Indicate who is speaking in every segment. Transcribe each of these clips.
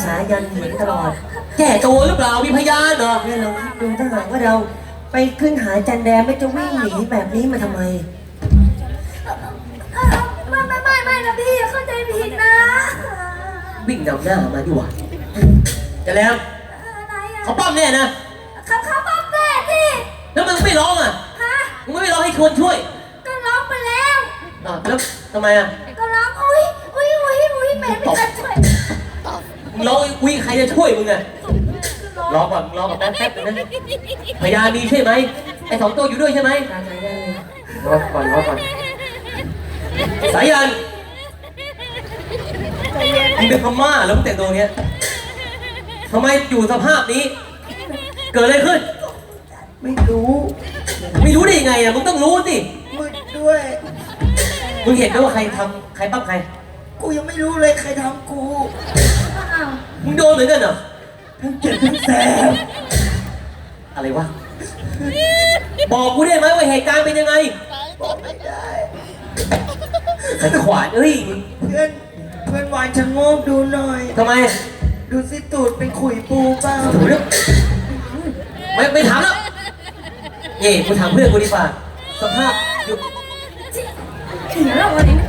Speaker 1: สายันเห็นตลอด
Speaker 2: แก่ตัวหรือเปล่ามีพยานเหรอ
Speaker 1: เนี่ยเราคิดดูถ้าหากว่าเราไปขึ้นหาจันแดงไม่จะวิ่งหนีแบบนี้มาทำไม
Speaker 3: ไม่นะพี่เข้าใจผิดนะ
Speaker 2: วิ่งนำหน้ามาดีกว่าจะแล้ว
Speaker 3: อะไรอ่ะ
Speaker 2: เขาปั้มแน่นะ
Speaker 3: เขาบอกแม่ที่
Speaker 2: แล้วมึงไม่ร้องอ่ะ
Speaker 3: ฮะ
Speaker 2: มึงไม่ร้องให้คนช่วย
Speaker 3: ก็ร้องไปแล้ว
Speaker 2: แล้วทำไมอ่ะ
Speaker 3: ก็ร้องอุ้ยแม่ไม่ทันช่วย
Speaker 2: มึงร้องอุ้ยใครจะช่วยมึงอ่ะรอก่อนรอก่อนแป๊บนึงนะพยานมีใช่ไหมไอ้สองตัวอยู่ด้วยใช่ไหม
Speaker 1: ตามสายันเลย
Speaker 2: รอก่อนสายันมึงเป็นพม่าแล้วมึงแต่งตัวเงี้ยทำไมอยู่สภาพนี้ เกิดอะไรขึ้น
Speaker 1: ไม่รู้
Speaker 2: ไม่รู้ได้ยังไงอ่ะมึงต้องรู้สิ
Speaker 1: มืดด้วย
Speaker 2: มึงเห็นไหมว่าใครทำใครปั้มใคร
Speaker 1: กูยังไม่รู้เลยใครทำกู
Speaker 3: อ้าว
Speaker 2: มึงโดนเหมือนกันเหรอ
Speaker 1: ทั้งเจ็บทั้งแสบ
Speaker 2: อะไรวะบอกกูได้ไหมว่าเหตุการณ์เป็นยังไง
Speaker 1: บอกไม่ได้
Speaker 2: สันขวานเอ้ย
Speaker 1: เพื่อนหวานชะโงกดูหน่อย
Speaker 2: ทำไม
Speaker 1: ดูสิตูดเป็นขุยปูเปล่า
Speaker 2: โอ้โหเนี่ยไม่ถามแล้วเย่กูถามเพื่อนกูดีกว่าสภาพอยู่
Speaker 3: เดี๋ยวเราวันนี้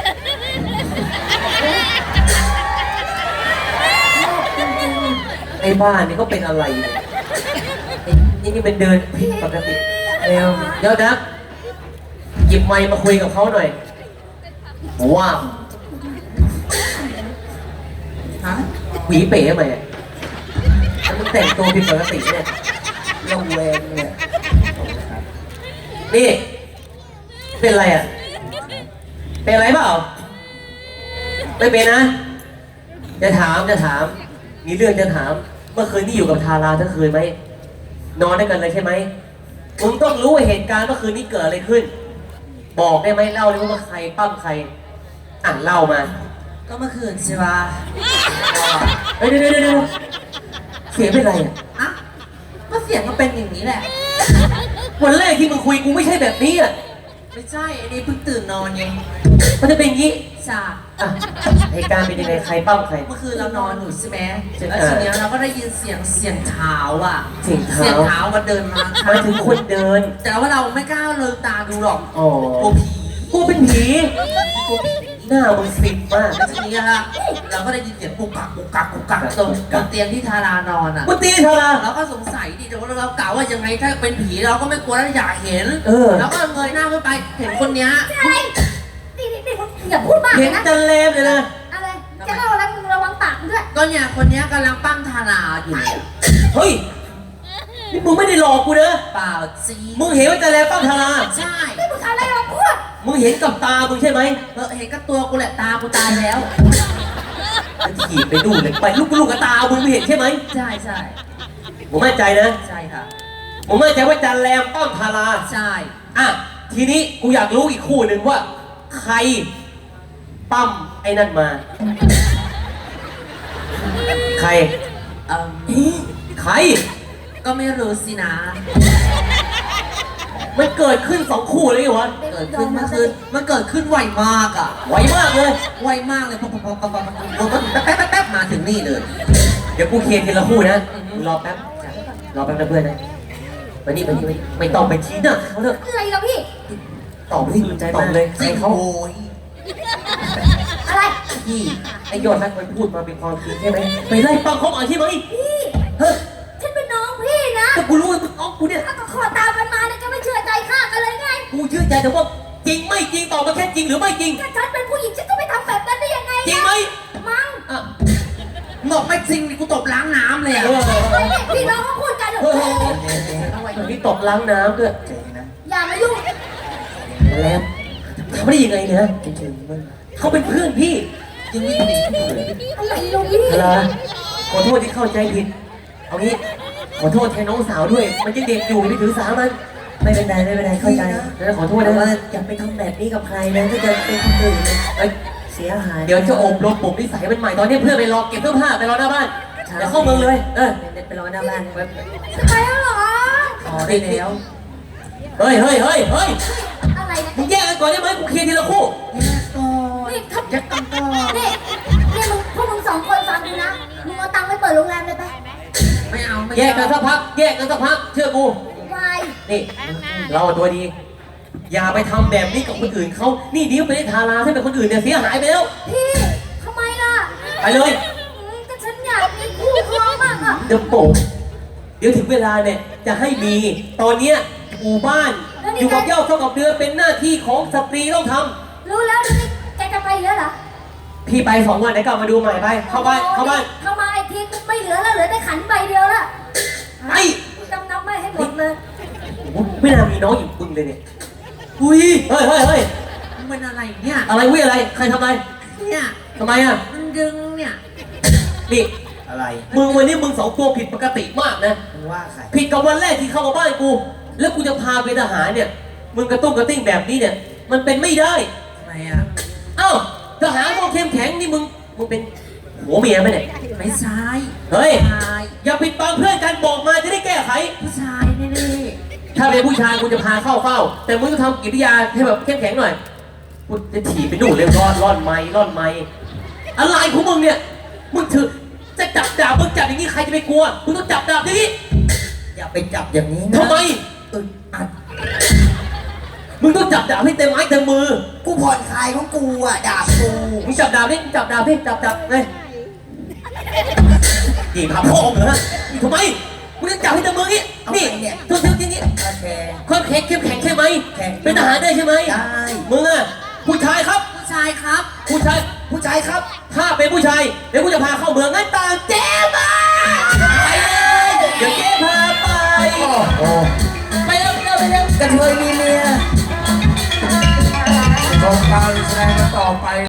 Speaker 2: ไอ้บ้านนี่ก็เป็นอะไรเนี่ยนี่เป็นเดินผิดปกติเร็วเดี๋ยวนะหยิบไมค์มาคุยกับเขาหน่อยว้าวฮะหวีเป๋ทำไมอะแล้วมึงแต่งตัวผิดปกติเนี่ย
Speaker 1: ระแวงเนี่ย
Speaker 2: นี่ เป็นอะไรอ่ะ เป็นอะไรเปล่า ไม่เป็นนะ จะถาม มีเรื่องจะถาม เมื่อคืนที่อยู่กับทาราทั้งคืนไหม นอนด้วยกันเลยใช่ไหมมึงต้องรู้ว่าเหตุการณ์เมื่อคืนนี้เกิดอะไรขึ้น บอกได้ไหมเล่าได้ไหมว่าใครปั้มใคร อ่ะเล่ามา
Speaker 1: ก็เมื่อคืนใช่ปะ
Speaker 2: เฮ้ยเดี๋ยวเสียงเป็นไรอ่ะ
Speaker 1: อ่ะก็เสียงก็เป็นอย่างนี้แหละ
Speaker 2: วันแรกที่มึงคุยกูไม่ใช่แบบนี้อ่ะ
Speaker 1: ไม่ใช่อันนี้เพิ่งตื่นนอนไง
Speaker 2: มันจะเป็นอย่างนี้
Speaker 1: จ้า
Speaker 2: อ่ะเหตุการณ์เป็นยังไงใครปั้มใคร
Speaker 1: เมื่อคืนเรานอนอยู่ใช่ไหม
Speaker 2: ใช่
Speaker 1: แล้วทีเนี้ยเราก็ได้ยินเสียงเท้าอ่ะ
Speaker 2: เสียงเท้า
Speaker 1: มันเดินมา
Speaker 2: หมายถึงคนเดิน
Speaker 1: แต่ว่าเราไม่กล้าลืมตาดูหรอก
Speaker 2: อ๋อก
Speaker 1: ลัวผี
Speaker 2: กูเป็นผีหน้ามึงฟิตมาก
Speaker 1: แล้วทีนี้ฮะเราก็ได้ยินเสียงกุกกักตรงเตียงที่ทารานอนอ่ะ
Speaker 2: กูตีเธอละ
Speaker 1: เราก็สงสัยดิแต่ว่าเรากล่าวว่ายังไงถ้าเป็นผีเราก็ไม่กลัวแล้วอยากเห็น แล้วก็เงยหน้าขึ้นไปเห็นคนเนี้ย
Speaker 3: อะไรนี่อย่าพูดมาก
Speaker 2: เห็น
Speaker 3: นะ
Speaker 2: จันเลมเลยนะ
Speaker 3: อะไรจะเล่าอะไรมึงระวังปากมึงด้วย
Speaker 1: ก็เนี่ยคนเนี้ยกำลังปั้มทาราอยู่เนี่ย
Speaker 2: เฮ้ย นี่มึงไม่ได้หลอกกูนะ
Speaker 1: เปล่าซี
Speaker 2: มึงเห็นว่าจันเลมปั้มธารา
Speaker 1: ใช่
Speaker 3: นี่มึงทำอะไรมาพูด
Speaker 2: มึงเห็นกับตามึงใช่ไหม
Speaker 1: เห็นกับตัวกูแหละตากูตายแล้ว
Speaker 2: จะถีบไปดูเลยไปลูกกับตามึงไม่เห็นใช่ไหม
Speaker 1: ใช่
Speaker 2: มึงมั่นใจนะ
Speaker 1: ใช่ค่ะ
Speaker 2: มึงมั่นใจว่าจันแรมปั้มธารา
Speaker 1: ใช่
Speaker 2: อ่ะ ทีนี้กูอยากรู้อีกคู่หนึ่งว่า ใครปั้มไอ้นั่นมา ใคร
Speaker 1: เอ่อ
Speaker 2: ใคร
Speaker 1: ก็ไม่รู้สินะ
Speaker 2: มันเกิดขึ้นสองคู่เลยเหรอวะ
Speaker 1: เกิดขึ้นเมื่อคืนมันเกิดขึ้นไวมากอ่ะ
Speaker 2: ไวมากเลย
Speaker 1: ไวมากเลยพอแป๊บมาถึงนี่เลย
Speaker 2: เดี๋ยวกูเคลียร์ทีละคู่นะรอแป๊บรอแป๊บนะเพื่อนนะมานี่ไม่ต้องไปชี้หน้าเขาเถอะ
Speaker 3: อะไรเราพี่
Speaker 2: ตอบสิตอบเลยใครเขา
Speaker 1: โอ้ย
Speaker 3: อะไร
Speaker 2: พี่ไอ้ยอดรักมันพูดมาเป็นความจริงใช่ไหมไปไล่ปั้มเขามาใช่ไหม
Speaker 3: พี่
Speaker 2: เฮ้ย
Speaker 3: ฉันเป็นน้องพี่นะ
Speaker 2: แต่กูรู้ว่ามึงน้องกูเนี่ย
Speaker 3: ถ้าก็ขอตามกันมาเนี่ยจะไม่เชื่อใจข้ากันเลยไง
Speaker 2: กูเชื่อใจแต่ว่าจริงไม่จริงตอบมาแค่จริงหรือไม่จริง
Speaker 3: ถ้าฉันเป็นผู้หญิงฉันจะไปทำแบบนั้นได้ยังไง
Speaker 2: จริงไหม
Speaker 3: มั้ง
Speaker 2: อ่ะ
Speaker 1: บอกไม่จริงกูตบล้างน้ำเลยอ่ะ
Speaker 3: ไม่เนี่ยพี่น้องเขาพูดกันเถ
Speaker 2: เฮ้ย
Speaker 3: อะ
Speaker 2: มันมีตกล้างน้ำด้วย
Speaker 3: อย่ามายุ่ง
Speaker 2: แล้วทำได้ยังไงเนี่ยเขาเป็นเพื่อนพี่
Speaker 1: ยังวิ่งหนีไม่ถูกเลย
Speaker 3: อะไรเราพี่
Speaker 2: อะไรขอโทษที่เข้าใจผิด เอางี้ ขอโทษแทนน้องสาวด้วย มันยังเด็กอยู่ไม่ถือสามัน
Speaker 1: ไม่เป็นไรเข้าใจ
Speaker 2: แล้วขอโทษ
Speaker 1: แต่
Speaker 2: นะ
Speaker 1: ว่าอย่าไปทำแบบนี้กับใครนะถ้าจะเป็นคนอื่น
Speaker 2: เอ้ย
Speaker 1: เสียหาย
Speaker 2: เดี๋ยวจะอบรมปลุกนิสัยมันใหม่ ตอนนี้เพื่อนไปรอเก็บเสื้อผ้าไปรอหน้าบ้าน เดี๋ยวเข้าเมืองเลย
Speaker 1: ไปรอหน้าบ้าน
Speaker 3: จะไปแล้วเหรอ
Speaker 1: ขอได้แล้ว
Speaker 2: เฮ้ย
Speaker 3: อะไรนะ
Speaker 2: มึงแยกกันก่อนได้ไหมกูเคลียร์ทีละคู่
Speaker 1: ก่อน
Speaker 3: นี่ทับ
Speaker 1: ยักกันก่อน
Speaker 3: นี่มึงพวกมึงสองคนฟังดูนะมึงเอา
Speaker 1: ไม่
Speaker 2: แยกกันสักพักแยกกันสักพักเชื่อกู
Speaker 3: วาย
Speaker 2: นี่เราตัวดี อย่าไปทำแบบนี้กับคนอื่นเขานี่เดี๋ยวไปได้ทาราให้เป็นคนอื่นเนี่ยเสียหายไปแล้ว
Speaker 3: พี่ทำไมล่ะ
Speaker 2: ไปเลย
Speaker 3: ก็ฉันอยากมีคู่ครองมากอ่ะ
Speaker 2: เดี๋ยวโป่งเดี๋ยวถึงเวลาเนี่ยจะให้มีตอนเนี้ยหมู่บ้านอยู่กับเหย้าเท่ากับเดือนเป็นหน้าที่ของสตรีต้องทำ
Speaker 3: รู้แล้วนี่แกจะไปแล้วเหรอ
Speaker 2: พี่ไป2 วันเดี๋ยวกลับมาดูใหม่ไปเข้าบ้านเข้าบ้าน
Speaker 3: เข้ามาไอ้ทีไม่เหลือแล้วเหลือแต่ขันใบเดียวละ
Speaker 2: ไป
Speaker 3: จำนำไม่ให้หมดเลย
Speaker 2: ไม่น่ามีน้องอยู่ปึงเลยเนี่ย
Speaker 1: อุ้ย
Speaker 2: เฮ้ยเฮ้ยเฮ้ย
Speaker 1: มันเป็นอะไรเนี่ย
Speaker 2: อะไรวิอะไรใครทำอะไร
Speaker 1: เนี่ย
Speaker 2: ทำไมอ่ะ
Speaker 1: มันดึงเนี่ย
Speaker 2: นี่
Speaker 1: อะไร
Speaker 2: มึงวันนี้มึง2 ตัวผิดปกติมากนะ
Speaker 1: มึงว่าใคร
Speaker 2: ผิดกับวันแรกที่เข้ามาบ้านกู แล้วกูจะพาไปทหารเนี่ย มึงกระตุ้งกระติ้งแบบนี้เนี่ย มันเป็นไม่ได้
Speaker 1: ทำไมอ่ะ
Speaker 2: เอ้าทหารพวกเข้มแข็งนี่มึงเป็นหัวเมียไหมเนี่ย
Speaker 1: ไม่ใช่
Speaker 2: เฮ้ย
Speaker 1: ผู้ชาย
Speaker 2: อย่าปิดบังเพื่อนกันบอกมาจะได้แก้ไข
Speaker 1: ผู้ชายแน่
Speaker 2: ถ้าเป็นผู้ชายกูจะพาเข้าเฝ้า แต่มึงต้องทำกิริยาให้แบบเข้มแข็งหน่อยกูจะถีบไปดูเลยร่อนไม้อะไรของมึงเนี่ย มึงถือจะจับดาบมึงจับอย่างนี้ใครจะไปกลัว มึงต้องจับดาบอย่างนี้
Speaker 1: ๆอย่าไปจับอย่างนี้นะ
Speaker 2: ทำไม
Speaker 1: อึดอัด
Speaker 2: มึงต้องจับดาบให้เต็มไม้เต็มมือ
Speaker 1: กูผ่อนคลายของกูอ่ะดาบกู
Speaker 2: มึงจับดาบดิจับเลยนี่พาพ่อเหรอทำไม มึงต้องจับให้เต็มมืองี้นี่ทุบอย่างนี้
Speaker 1: โอเค
Speaker 2: ความแข็งเข้มแข็งใช่ไหม
Speaker 1: แข็ง
Speaker 2: เป็นทหารได้ใช่ไหม
Speaker 1: ได้
Speaker 2: มึงอะผู้ชายครับ
Speaker 1: ผู้ชายครับ
Speaker 2: ผู้ชาย
Speaker 1: ผู้ชายครับ
Speaker 2: ถ้าเป็นผู้ชายเดี๋ยวกูจะพาเข้าเมืองงั้นตามเจ๊มาไปเลยเดี๋ยวเจ๊พาไป
Speaker 1: โอ้
Speaker 2: ไปเร็ว
Speaker 1: กระเทยมีเมีย
Speaker 4: ชมการแสดงกันต่อไป